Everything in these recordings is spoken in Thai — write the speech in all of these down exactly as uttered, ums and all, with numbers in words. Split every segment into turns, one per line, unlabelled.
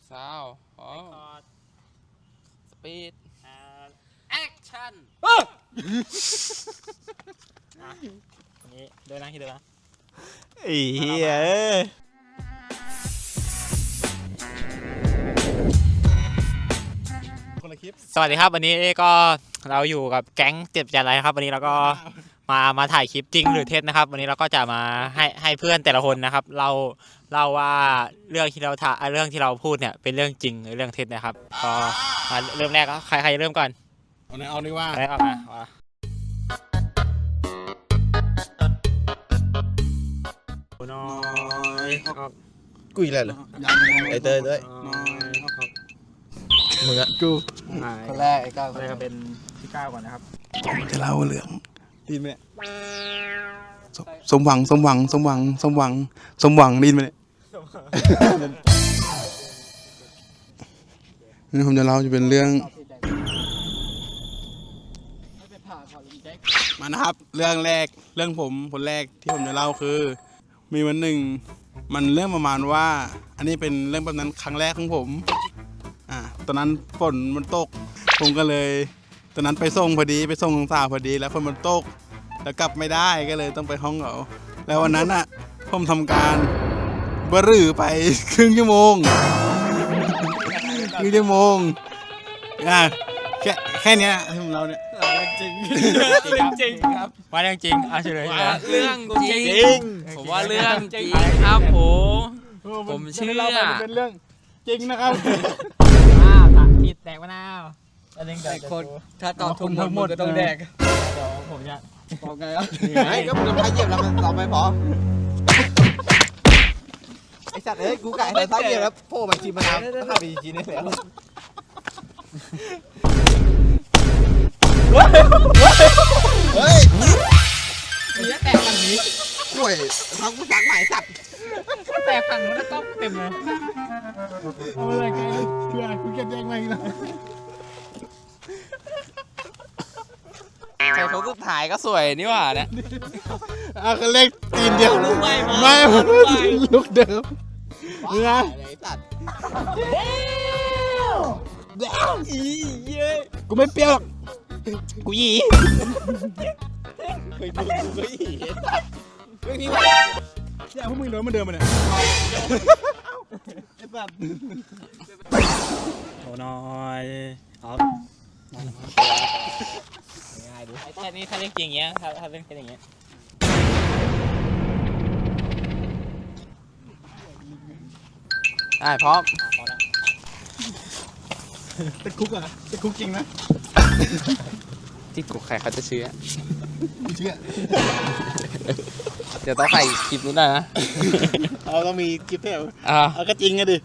ซาวอ๋อสปีดแอคชั่นนี้เดินนะคิดเดินนะ
อีเอ้ยคนละคลิปสวัสดีครับวันนี้ก็เราอยู่กับแก๊งเจ็บใจอะไรครับวันนี้เราก็มามาถ่ายคลิปจริงหรือเท็จนะครับวันนี้เราก็จะมาให้ให้เพื่อนแต่ละคนนะครับเราเล่าว่าเรื่องที่เราถ่ายเรื่องที่เราพูดเนี่ยเป็นเรื่องจริงหรือเรื่องเท็จนะครับก็มาเริ่มแรกก็ใครใครเริ่มก่อน
เอาไหนเอาดีว่า
อะไรออกมาว่าน้อย
กูอีกแล้วเหรอไอเตยด้วยมึงอะกู
คนแรกไอ้ก้าว
คนแรกก็เป็นพี่ก้าวก่อนนะครับ
จะเล่าเรื่องดีไหมสมหวังสมหวังสมหวังสมหวังสมหวังดีไหมเนี่ยนี่ผมจะเล่าจะเป็นเรื่องมานะครับเรื่องแรกเรื่องผมคนแรกที่ผมจะเล่าคือมีวันหนึ่งมันเรื่องประมาณว่าอันนี้เป็นเรื่องแบบนั้นครั้งแรกของผมอ่าตอนนั้นฝนมันตกผมก็เลยตอนนั้นไปส่งพอดีไปส่งสาวพอดีแล้วฝนมันตกแล้วกลับไม่ได้ก็เลยต้องไปห้องเขาแล้ววันนั้นอ่ะผมทำการบรื้อไปครึ่งชั่วโมงครึ่งชั่วโมงอ่ะแค่แค่นี้ของเราเนี่ย
จริงจริงจริงครับว่าเรื่องจริงเอาเฉลยนะ
เรื่องจริงผมว่าเรื่องจริงครับผมผมเชื่อ
เป็นเรื่องจริงนะครับ
อ้าวตัดผิดแตกมะนาวอะไรเงี้ย
คนถ้าตอบถูกทั้งหมดก็ต้องแดก
เดี๋ยวผมจะ
บอกไงอ่ะไอ้ก็มันพายเหยียบแล้วมันตอบไม่พอไอ้สัตว์เอ้ยกูไก่ใส่พายเหยียบแล้วโผล่มาจีมะนาวถ้าไปจีนี่แล้วเฮ้ยมีแตกฝั่งนี้กล้วยทำกูสักใหม่สัตว์
แตกฝั่งนู้นแล้วก็เต็มเลย
เอาอะไรกันเพื่อกูเก็บแยกไว้นะ
ใครเขาสุดท้ายก็สวยนี่หว่าเนี่ย
อ่ะก็เล็กตีนเดียวไม่ลุกเดิมไง
สัตว์
อีเย้กูไม่เปรี้ยวหรอกกูหยี
เคยดูกูก็หยีเรื่องนี้วะ
เนี่ยพวกมึงโดนมันเดิมมาเนี่ยไอ้สัตว์
โอ้น้อยอ๋อง่ายดูแค่นี้ถ้าเล่นจริงอย่างเงี้ยถ้าถ้าเล่นแค่อย่างเงี้ย
ได้พร้อม
ติดคุกอ่ะติดคุกจริงนะ
ที่กูใครเขาจะเชื่อ
เชื่อ
เดี๋ยวต้องใส่คลิปนู้นได้นะ
เราต้องมีคลิปแถว
อ่า
เอาก็จริงอะดิ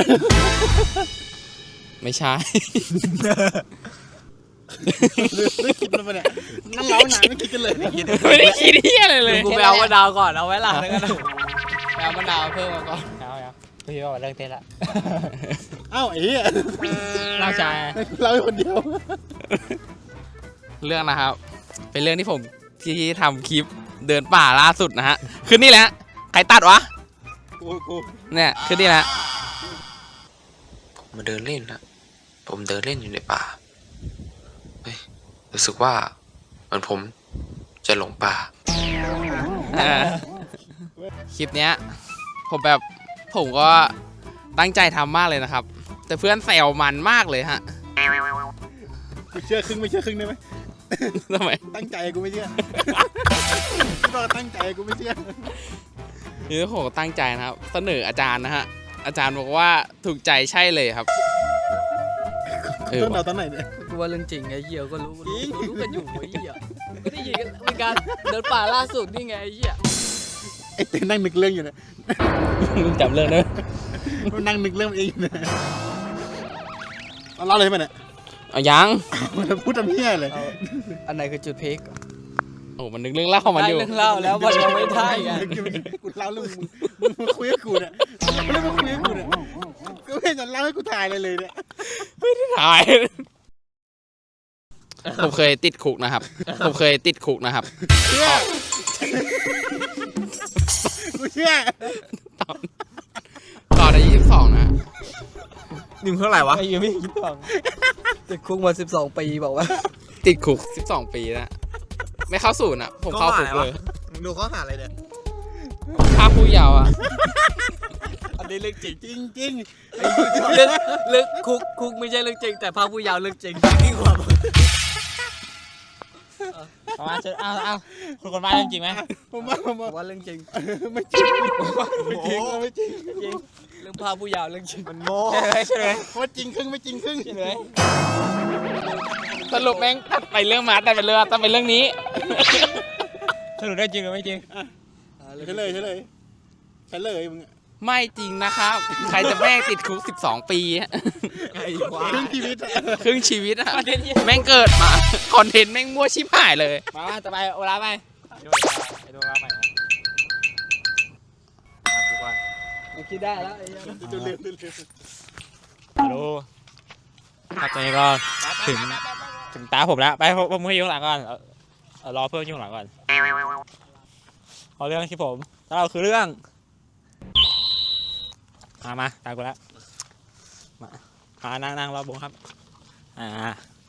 ไม่ใช่
ไม่คิดแล้วเนี่ยนั่งเล้าหนาไม่คิดกันเลยไม่คิด
ไม่ได้คิดที่อะไรเลยกูไปเอามะนาวก่อนเอาไว้หลังแล้วกันไปเอามะนาวเพิ่มมาก่อน
เอาเอาพี่ว่าเรื่องเต้นละ
เอ้าไอ้เหี้ย
เราชาย
เราคนเดียว
เรื่องนะครับเป็นเรื่องที่ผมที่ทำคลิปเดินป่าล่าสุดนะฮะคือนี่แหละใครตัดวะ
กูกู
เนี่ยคือนี่แหละ
ผมมาเดินเล่นนะผมเดินเล่นอยู่ในป่าเฮ้ยรู้สึกว่าเหมือนผมจะหลงป่า
คลิปเนี้ยผมแบบผมก็ตั้งใจทำมากเลยนะครับแต่เพื่อนแซวมันมากเลยฮะ
กูเชื่อครึ่งไม่เชื่อครึ่งได้ไหม
ทำไม
ตั้งใจกูไม่เชื่อก็ตั้งใจกูไม่เชื่อ
นี่ผมตั้งใจนะครับเสนออาจารย์นะฮะอาจารย์บอกว่าถูกใจใช่เลยครับ
ต้นเราตอนไหนเนี่ย
กูว่าเรื่องจริงไอ้เหี้ยก็รู้รู้กันอยู่ไอ้เหี้ยก็ได้ยินกันเหมือนกันเดินป่าล่าสุดนี่ไงไอ้เหี้ย
ไอ้เต้นนั่งนึกเรื่องอยู่เนี่ย
มึงจำเรื่องได้
มันนั่งนึกเรื่องเองอยู่เนี่ยเอาเล่าเลยไหมเนี่ย
เอายัง
มันพูดทำเหี้ยเลย
อันไหนคือจุดพีคโอ้มันนึกเรื่องเล่ามันอยู่
เรื่องเล่าแล้วมันยังไม่ได้ไง
กูเล่าเรื่องมึงมึงมาคุยกับกูเนี่ยมึงมาคุยกับกูเนี่ยก็ไม่จะเล่าให้กูถ่ายเลยเลยเนี่ย
ไม่ได้ถ่ายผมเคยติดคุกนะครับผมเคยติดคุกนะครับ
เชื่อกูเชื่อ
ตอนตอนอายุยี่สิบสองนะ
หนึ่งเท่าไหร่วะ
ไม่ยังไม่คิดต่างติดคุกมาสิบสองปีบอกว่า
ติดคุกสิบสองปีแล้วไม่เข้าศูนย์อ่ะผมเข้าคุกเลย
ดูข้อหาอะไรเนี่ย
ภาคผู้เยาว์อ่ะ
อันนี้เรื่องจริง
จริงจริง
เรื่องเรื่องคุกคุกไม่ใช่เรื่องจริง แต่ภาคผู้ยาวเรื่องจริงยิ่งกว่า
เอามาเชิญเอาเอาคุณคนบ้านเรื่องจริงไหม
ผมว่าผม
ผ
ว่าม
ว่าเรื่องจริง
ไม่จริงไม่จริงไม่จริง
เรื่องภาคผู้ยาวเรื่องจริง
มันโม้ใช่ไหมใช่ไหม
ว่าจริงครึ่งไม่จริงครึ่ง
ใช่ไหม
สรุปแม่งตัดไปเรื่องหมาตัดไปเรื่องตัดไปเรื่องนี้
สรุปได้จริงหรือไม่จริง
ใช่เลยใช่เลยใช่เลยมึง
ไม่จริงนะครับ ใครจะแม่งติดคุกสิบสองปีอะ
ครึ่งชีวิต
ครึ่งชีวิตอะแม่งเกิดมาคอนเทนต์แม่งมั่วชิบหายเลย
มามาต่อไปโอลาฟไปดูไปดูโอลาฟไปนะมาดูก่อน
คิดได้แล้วไอ้เหี้ย
จะเร็วเร็ว
ฮัลโหลครับตอนนี้ก็ถึงถึงตาผมแล้วไปผมผมให้ยุ่งหลังก่อนเอาเอารอเพื่อนยุ่งหลังก่อนเอาเรื่องที่ผมแล้วเราคือเรื่องมามาตามกูแล้วมามานั่งนั่งรอบวงครับอ่า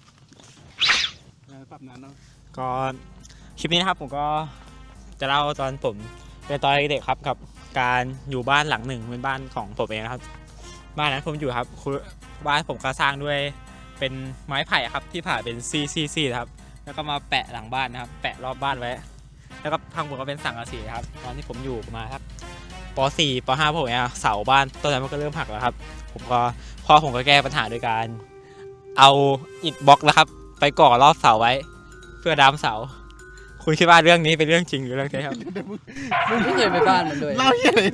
ปรับนานเนาะ
ก็คลิปนี้นะครับผมก็จะเล่าตอนผมเป็นตอนเด็กๆครับกับการอยู่บ้านหลังหนึ่งเป็นบ้านของผมเองนะครับบ้านนั้นผมอยู่ครับคือบ้านผมก็สร้างด้วยเป็นไม้ไผ่ครับที่ผ่าเป็นซีซีซีนะครับแล้วก็มาแปะหลังบ้านนะครับแปะรอบบ้านไว้แล้วก็ข้างบนก็เป็นสังกะสีครับตอนที่ผมอยู่ประมาณครับป .สี่ ป .ห้า ผมเนี่ยเสาบ้านต้นนั้นมันก็เริ่มหักแล้วครับผมก็พ่อผมก็แก้ปัญหาโดยการเอาอิฐบล็อกนะครับไปก่อรอบเสาไว้เพื่อดามเสาคุณคิดว่าเรื่องนี้เป็นเรื่องจริงหรือเรื่องเท็จครับ
มึงไม่เคยไปบ้านมันด้วย
เล่าเหี้ยอะไร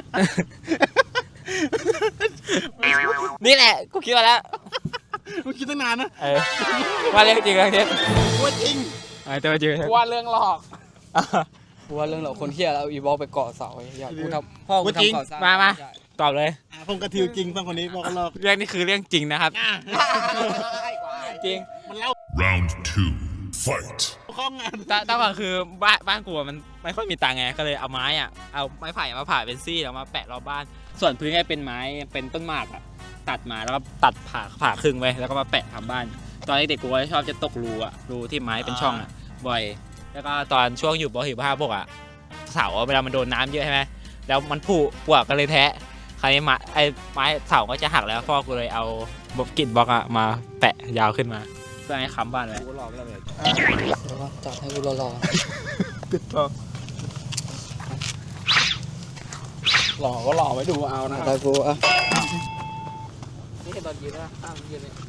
นี่แหละกูคิดมาแล้ว
มึงคิดตั้งนานนะ
เออว่าเรื่องจริงเรื่องเท็จ
ว่าจริง
เออแต่ว่าจริงเรื่องเท็จ
ว่าเรื่องหลอก
กูว่าเรื่องเราคนเที่ยแล้วอีบอลไปเกาะเสาไอ้อยากกูทำพ่อกูทำก่อสร้าง
มามาตอบเลย
อ่ะผมกระทิวจริงต้องคนนี้บอกกันหรอก
เรื่องนี้คือเรื่องจริงนะครับจริง
มันเล่า
Round two, fight.
ข้องงาน
ตตั้งก่อนคือบ้านบ้านกูอะมันไม่ค่อยมีตังค์ไงก็เลยเอาไม้อ่ะเอาไม้ไผ่มาผ่าเป็นซี่แล้วมาแปะรอบบ้าน ส่วนพื้นก็เป็นไม้เป็นต้นหมากอ่ะตัดมาแล้วก็ตัดผ่าผ่าครึ่งไว้แล้วก็มาแปะทำบ้าน ตอนเด็กๆกูก็ชอบจะตกรูอ่ะรูที่ไม้เป็นช่องอ่ะบ่อย แล้วก็ตอนช่วงอยู่ป .สี่ ป .ห้า พวกอ่ะเสาเวลามันโดนน้ำเยอะใช่ไหมแล้วมันผุปวกก็เลยแทะคราวนี้ไม้ไอ้ไม้เสาก็จะหักแล้วพ่อกูเลยเอาบล็อกกิดบล็อกอ่ะมาแปะยาวขึ้นมาเพื่อให้ค้ำบ้านไว้
กูหลอกแล้วเลยจัดให้กูรอรอ
หลอกก็หลอกไว้ดูเอานะ
ได้กูอ่ะ
นี่เห็นตอนยืนนะอ้าวยืนเนี่ย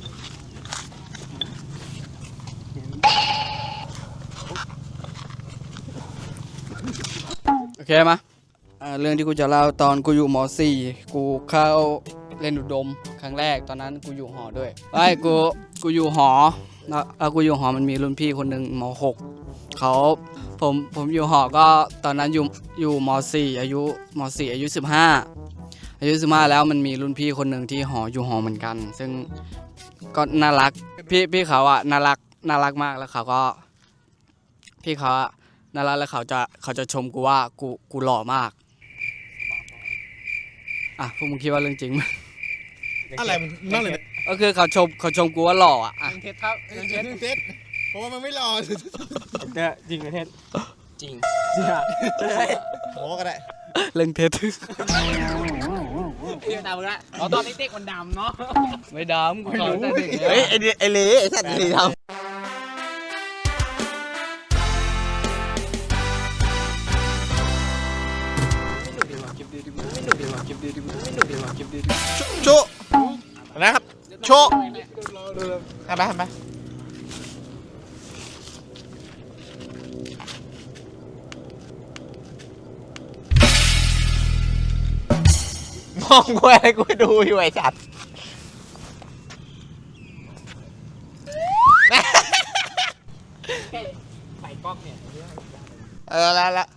โอเคมาอ่าเรื่องที่กูจะเล่าตอนกูอยู่ม .สี่ กูเข้าเล่นอุดมครั้งแรกตอนนั้นกูอยู่หอด้วยไอ้กูกูอยู่หอแล้วแล้วกูอยู่หอมันมีรุ่นพี่คนหนึ่งม .หก เขาผมผมอยู่หอก็ตอนนั้นอยู่อยู่ม .สี่ อายุม .สี่ อายุสิบห้าอายุสิบห้าแล้วมันมีรุ่นพี่คนหนึ่งที่หออยู่หอเหมือนกัน ซึ่งก็น่ารักพี่พี่เขาอะน่ารักน่ารักมากแล้วเขาก็พี่เขาอะน่ารักแล้วเขาจะเขาจะชมกูว่ากูกูหล่อมากอ่ะพวกมึงคิดว่าเรื่องจริงไหม
อะไรมันนั่นเลย
ก็คือเขาชมเขาชมกูว่าหล่ออะอ่ะ
เรื่องเท็จครับ
เรื่องเท็จเรื่องเท็จเพราะว่ามันไม่รอ
เนี่ยจริงหรือเท็จ
จริง
โม้ก็ได้
เรื่องเท็จ
เรียกตามมึงละ
อ๋อตอนนี้เด็กมันดำเนาะ
ไม่ดำกูขอแต่เด็ก
เฮ้ยไอไอเล่ไอสัตว์ไอเล่ทำ โชว์นะครับโชว์ทำไปทำไปมองกูอะไรกูดูอยู่ไอ้สัตว์ใส่กล้องเนี่ยเออแล้วแล้ว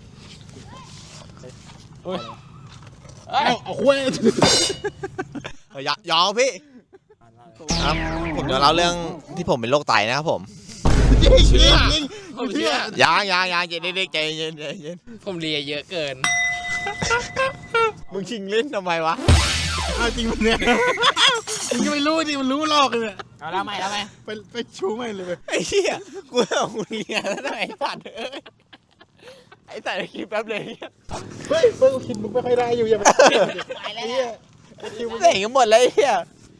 เอาเอาคุยอย่าอย่าพี่
ครับผมจะเล่าเรื่องที่ผมเป็นโรคไตนะครับผม
ยิงยิงยิงผมเชื่อย
างยางยางใจเด็กๆใจเย็นใจเย็น
ผมเลียเยอะเกิน
มึงชิงเล่นทำไมวะ
เอาจริงมันเนี่ยมึงก็ไม่รู้ดิมันรู้หลอกเลยเนี่ย
เอาแล้วไหมแล้วไหม
ไปไปชูไม่เลย
ไอ้เหี้ยกูเอามึงเรียนแล้วไอ้สัตว์เอ้ยไอ้สัตว์คลิปแป๊บเลย
เฮ้ยเพิ่งคิดมึงไม่ค่อยได้อยู่อย่าไป
ไปแล้ว
เสียงกันหมดเลยไอ้เหี้ย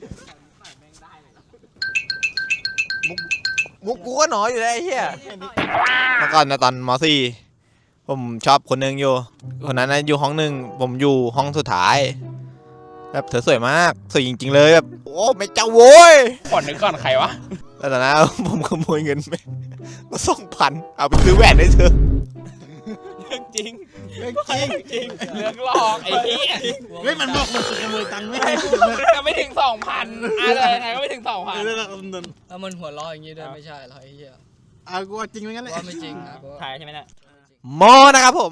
มุกมุกกูก็หนออยู่แล้วไอ้เหี้ยเมื่อก่อนนะตอนม .สี่ ผมชอบคนหนึงอยู่คนนั้นนะอยู่ห้องหนึ่งผมอยู่ห้องสุดท้ายแบบเธอสวยมากสวยจริงๆเลยแบบโอ้ไม่เจ้าโว้ย
ก่อนนึกก่อนใครวะ
แล้วตอนนั้นผมขโมยเงินไปมาสองพันเอาไปซื้อแหวนให้เธอ
เรื่องจริง
เรื่องจริง
จริง
เรื่องหลอกไอ้เหี้ย
เฮ้ยมันบอกมันจะขโมยตังค์ไม่ให้
ก็ไม่ถึงสองพันอะไรยังไงก็ไม่ถึงสองพัน
เออแล้วเราเดิน
แล้วมันหัวเราะอย่างนี้ด้วยไม่ใช่หรอไอ้เหี้ย
อ่ะกูว่าจริงเหมือนกันแหละ
ว่าไม่จริงนะกูว่า
ถ่ายใช่ไหมเนี่ย
มอนะครับผม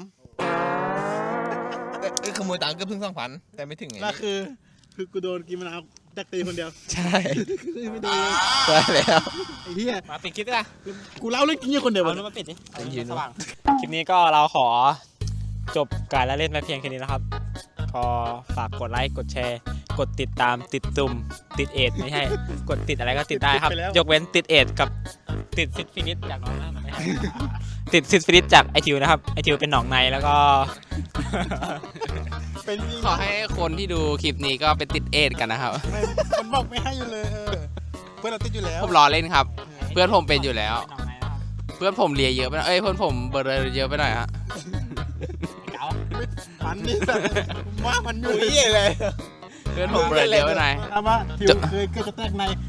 เอ้ยขโมยตังค์ก็เพิ่งสองพันแต่ไม่ถึงไง
แล้วคือคือกูโดนกินมะนาวแดกตีคนเดียว
ใช่
คือไม่โดนเลย
ใช่แล้ว
ไอ้เหี้ย
มาปิดคลิปด้วย
กูเล่าเรื่องจริงอยู่คนเดียว
เอา
วะ
นู้นมาปิดดิ
ไอ้ยืน
สว่างคลิปนี้ก็เราขอจบการละเล่นไปเพียงแค่นี้นะครับก็ฝากกดไลค์กดแชร์ กดติดตามติดตุ่มติดเอดไม่ใช่กดติดอะไรก็ติดได้ครับ ยกเว้นติดเอดกับติดซิดฟินิสจากน้องนะไม่ใช่ติดซิดฟินิสจากไอทิวนะครับไอทิวเป็นหนองในแล้วก็
เป็นจริง
ขอให้คนที่ดูคลิปนี้ก็เป็นติดเอดกันนะครับ
ไม่มันบอกไม่ให้อยู่เลยเออเพื่อนเราติดอยู่แล้ว
ผมรอเล่นครับ เพื่อนผมเป็นอยู่แล้ว
เป็นหนองในนะครับ
เพื่อนผมเลียเยอะไปหน่อยเอ้ยเพื่อนผมเบอร์เยอะไปหน่อยฮะ
เก๋า
มันนี่แบบว่ามันอยู่
อุ้ยเลย
เพื่อนผมเบอร์เยอะไปหน่อย
ถามว่าทิวเคยเคยจะแตกใน